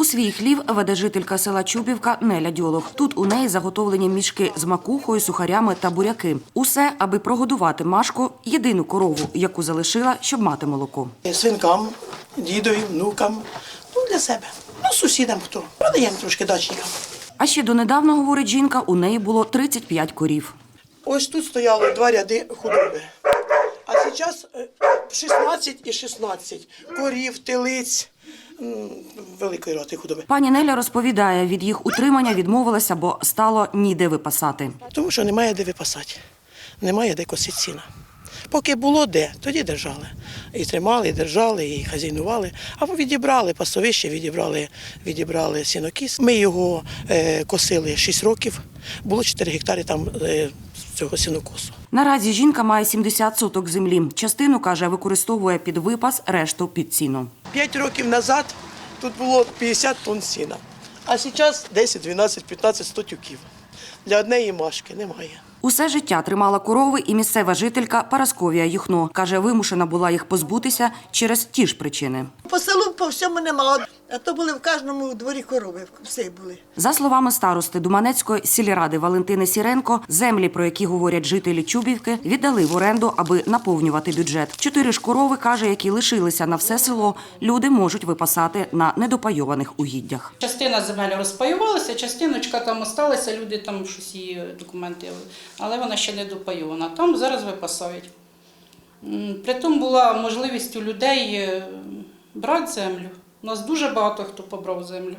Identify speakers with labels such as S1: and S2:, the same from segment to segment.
S1: У свій хлів веде жителька села Чубівка Неля Дьолог. Тут у неї заготовлені мішки з макухою, сухарями та буряки. Усе, аби прогодувати Машку, єдину корову, яку залишила, щоб мати молоко.
S2: Синкам, дідові, внукам, для себе. Сусідам хто. Продаємо трошки дачникам.
S1: А ще донедавна, говорить жінка, у неї було 35 корів.
S2: Ось тут стояло 2 ряди худоби. А зараз 16 і 16 корів, телиць, великої роти худоби.
S1: Пані Неля розповідає, від їх утримання відмовилася, бо стало ніде випасати.
S2: Тому що немає де випасати, немає де косити сіна. Поки було де, тоді держали. І тримали, і держали, і хазяйнували. Або відібрали пасовище, відібрали сінокіс. Ми його косили 6 років, було 4 гектари там цього сінокосу.
S1: Наразі жінка має 70 соток землі. Частину, каже, використовує під випас, решту під сіно.
S2: 5 років назад тут було 50 тонн сіна, а зараз 10, 12, 15, 100 тюків. Для однієї Машки немає.
S1: Усе життя тримала корови і місцева жителька Парасковія Юхно. Каже, вимушена була їх позбутися через ті ж причини.
S3: По селу по всьому немало, а то були в кожному дворі корови, всі були.
S1: За словами старости Думанецької сільради Валентини Сіренко, землі, про які говорять жителі Чубівки, віддали в оренду, аби наповнювати бюджет. 4 ж корови, каже, які лишилися на все село, люди можуть випасати на недопайованих угіддях.
S4: Частина земель розпаювалася, частиночка там осталася, люди там щось її документи, але вона ще не допайована. Там зараз випасають. Притом була можливість у людей брати землю. У нас дуже багато хто побрав землю.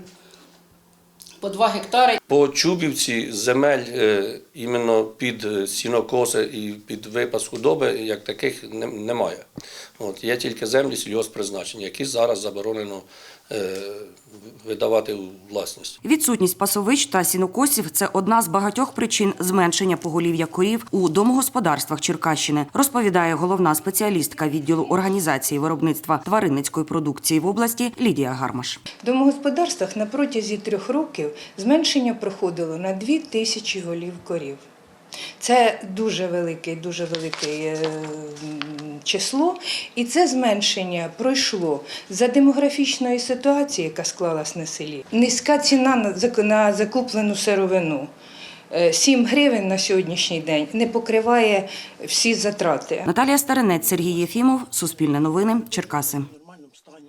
S4: По 2 гектари.
S5: По Чубівці земель іменно під сінокоси і під випас худоби, як таких, немає. Є тільки землі сільгосппризначення, які зараз заборонено видавати у власність.
S1: Відсутність пасовищ та сінокосів – це одна з багатьох причин зменшення поголів'я корів у домогосподарствах Черкащини, розповідає головна спеціалістка відділу організації виробництва тваринницької продукції в області Лідія Гармаш.
S6: В домогосподарствах на протязі 3 років зменшення проходило на 2000 голів корів. Це дуже велике число, і це зменшення пройшло за демографічної ситуації, яка склалась на селі. Низька ціна на закуплену сировину. 7 гривень на сьогоднішній день не покриває всі затрати.
S1: Наталія Старинець, Сергій Єфімов, Суспільне новини, Черкаси.